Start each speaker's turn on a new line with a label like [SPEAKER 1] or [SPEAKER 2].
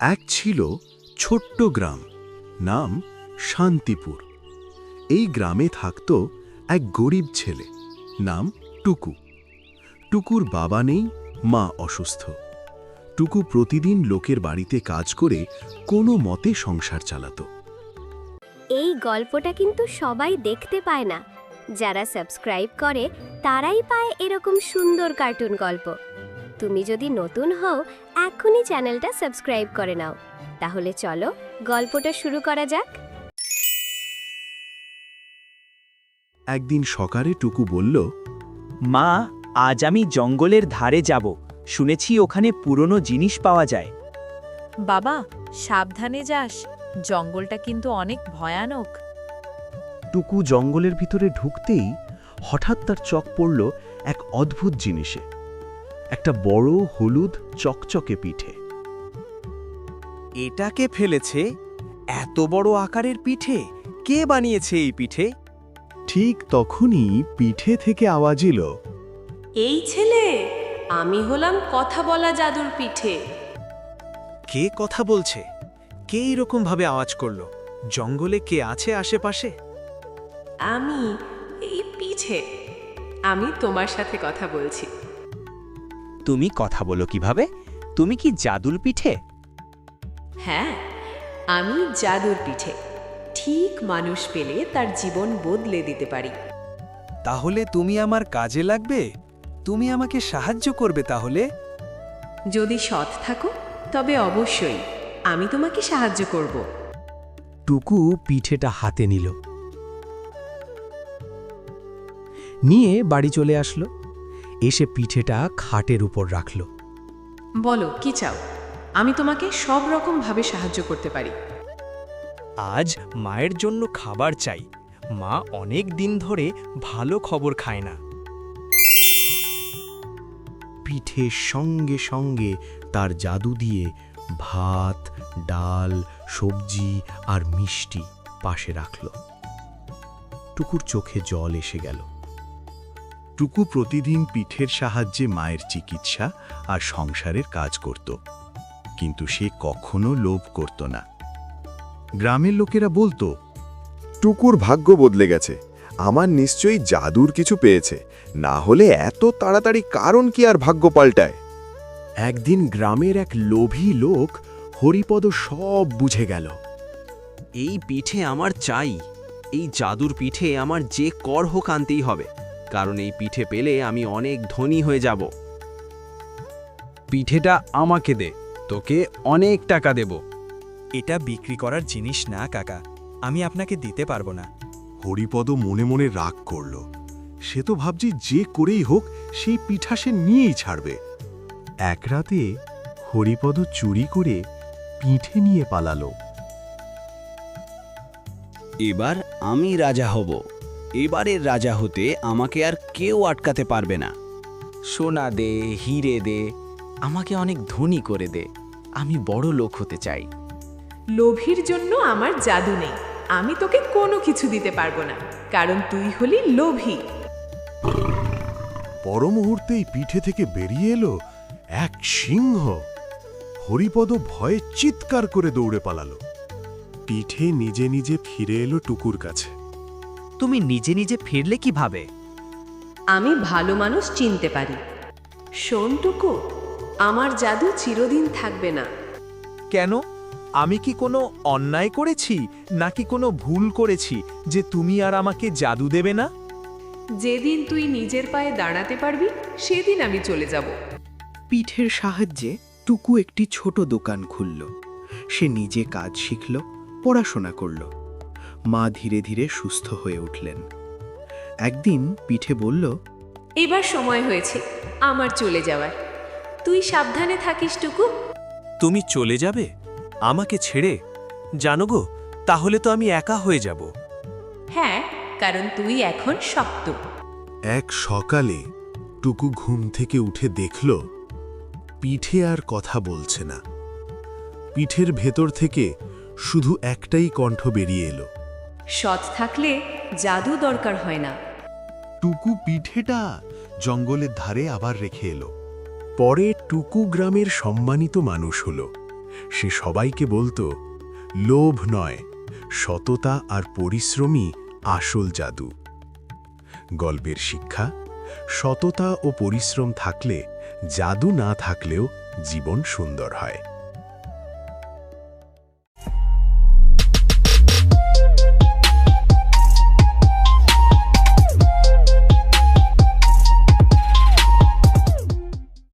[SPEAKER 1] এক ছিল ছোট্ট গ্রাম, নাম শান্তিপুর। এই গ্রামে থাকত এক গরিব ছেলে, নাম টুকু। টুকুর বাবা নেই, মা অসুস্থ। টুকু প্রতিদিন লোকের বাড়িতে কাজ করে কোনো মতে সংসার চালাত।
[SPEAKER 2] এই গল্পটা কিন্তু সবাই দেখতে পায় না। যারা সাবস্ক্রাইব করে তারাই পায় এরকম সুন্দর কার্টুন গল্প। তুমি যদি নতুন হও, এখনই চ্যানেলটা সাবস্ক্রাইব করে নাও। তাহলে চলো গল্পটা শুরু করা যাক।
[SPEAKER 1] একদিন সকালে টুকু বলল,
[SPEAKER 3] মা, আজ আমি জঙ্গলের ধারে যাব। শুনেছি ওখানে পুরনো জিনিস পাওয়া যায়।
[SPEAKER 4] বাবা, সাবধানে যাস, জঙ্গলটা কিন্তু অনেক ভয়ানক।
[SPEAKER 1] টুকু জঙ্গলের ভিতরে ঢুকতেই হঠাৎ তার চোখ পড়ল এক অদ্ভুত জিনিসে, একটা বড় হলুদ চকচকে পিঠে।
[SPEAKER 3] এটাকে ফেলেছে? এত বড় আকারের পিঠে কে বানিয়েছে এই পিঠে?
[SPEAKER 1] ঠিক তখনই পিঠে থেকে আওয়াজ এলো,
[SPEAKER 5] এই ছেলে, আমি হলাম কথা বলা জাদুর পিঠে।
[SPEAKER 3] কে কথা বলছে? কে এরকম ভাবে আওয়াজ করলো? জঙ্গলে কে আছে আশেপাশে?
[SPEAKER 5] আমি এই পিঠে, আমি তোমার সাথে কথা বলছি।
[SPEAKER 3] তুমি কথা বলো কিভাবে? তুমি কি জাদুর পিঠে?
[SPEAKER 5] হ্যাঁ, আমি জাদুর পিঠে। ঠিক মানুষ পেলে তার জীবন বদলে দিতে পারি।
[SPEAKER 3] তাহলে তুমি আমার কাজে লাগবে? তুমি আমাকে সাহায্য করবে তাহলে?
[SPEAKER 5] যদি সৎ থাকো তবে অবশ্যই আমি তোমাকে সাহায্য করব।
[SPEAKER 6] টুকু পিঠেটা হাতে নিয়ে বাড়ি চলে আসলো। এসে পিঠেটা খাটের উপর রাখল।
[SPEAKER 5] বলো কি চাও? আমি তোমাকে সব রকম ভাবে সাহায্য করতে পারি।
[SPEAKER 3] আজ মায়ের জন্য খাবার চাই। মা অনেক দিন ধরে ভালো খবর খায় না।
[SPEAKER 1] পিঠের সঙ্গে সঙ্গে তার জাদু দিয়ে ভাত, ডাল, সবজি আর মিষ্টি পাশে রাখল। টুকুর চোখে জল এসে গেল। টুকু প্রতিদিন পিঠের সাহায্যে মায়ের চিকিৎসা আর সংসারের কাজ করত, কিন্তু সে কখনো লোভ করত না। গ্রামের লোকেরা বলতো,
[SPEAKER 7] টুকুর ভাগ্য বদলে গেছে, আমার নিশ্চয়ই জাদুর কিছু পেয়েছে, না হলে এত তাড়াতাড়ি কারণ কি আর ভাগ্য পাল্টায়।
[SPEAKER 1] একদিন গ্রামের এক লোভী লোক হরিপদ সব বুঝে গেল।
[SPEAKER 8] এই পিঠে আমার চাই। এই জাদুর পিঠে আমার যে কর হোক আনতেই হবে, কারণ এই পিঠে পেলে আমি অনেক ধনী হয়ে যাব।
[SPEAKER 9] পিঠেটা আমাকে দে, তোকে অনেক টাকা দেব।
[SPEAKER 3] এটা বিক্রি করার জিনিস না কাকা, আমি আপনাকে দিতে পারবো না।
[SPEAKER 1] হরিপদ মনে মনে রাগ করল। সে তো ভাবছে যে করেই হোক সেই পিঠা সে নিয়েই ছাড়বে। এক রাতে হরিপদ চুরি করে পিঠে নিয়ে পালালো।
[SPEAKER 8] এবার আমি রাজা হব। এবারের রাজা হতে আমাকে আর কেউ আটকাতে পারবে না। সোনা দে, হিরে দে, আমাকে অনেক ধনী করে দে। আমি বড় লোক হতে চাই।
[SPEAKER 5] লোভীর জন্য আমার জাদু নেই। আমি তোকে কোনো কিছু দিতে পারবো না, কারণ তুই হলি লোভী।
[SPEAKER 1] পর মুহূর্তেই পিঠে থেকে বেরিয়ে এলো এক সিংহ। হরিপদ ভয়ে চিৎকার করে দৌড়ে পালালো। পিঠে নিজে নিজে ফিরে এলো টুকুর কাছে।
[SPEAKER 3] তুমি নিজে নিজে ফিরলে কিভাবে?
[SPEAKER 5] আমি ভালো মানুষ চিনতে পারি। শোন টুকু, আমার জাদু চিরদিন থাকবে না।
[SPEAKER 3] কেন? আমি কি কোনো অন্যায় করেছি নাকি কোনো ভুল করেছি যে তুমি আর আমাকে জাদু দেবে না?
[SPEAKER 5] যেদিন তুই নিজের পায়ে দাঁড়াতে পারবি সেদিন আমি চলে যাব।
[SPEAKER 10] পিঠের সাহায্যে টুকু একটি ছোট দোকান খুলল। সে নিজে কাজ শিখল, পড়াশোনা করল। মা ধীরে ধীরে সুস্থ হয়ে উঠলেন। একদিন পিঠে বলল,
[SPEAKER 5] এবার সময় হয়েছে আমার চলে যাওয়ার। তুই সাবধানে থাকিস টুকু।
[SPEAKER 3] তুমি চলে যাবে আমাকে ছেড়ে? জানো গো, তাহলে তো আমি একা হয়ে যাব।
[SPEAKER 5] হ্যাঁ, কারণ তুই এখন শক্ত।
[SPEAKER 1] এক সকালে টুকু ঘুম থেকে উঠে দেখল পিঠে আর কথা বলছে না। পিঠের ভেতর থেকে শুধু একটাই কণ্ঠ বেরিয়ে এলো,
[SPEAKER 5] সৎ থাকলে জাদু দরকার হয় না।
[SPEAKER 1] টুকু পিঠেটা জঙ্গলের ধারে আবার রেখে এলো। পরে টুকু গ্রামের সম্মানিত মানুষ হলো। সে সবাইকে বলতো, লোভ নয়, সততা আর পরিশ্রমই আসল জাদু। গল্পের শিক্ষা: সততা ও পরিশ্রম থাকলে জাদু না থাকলেও জীবন সুন্দর হয়।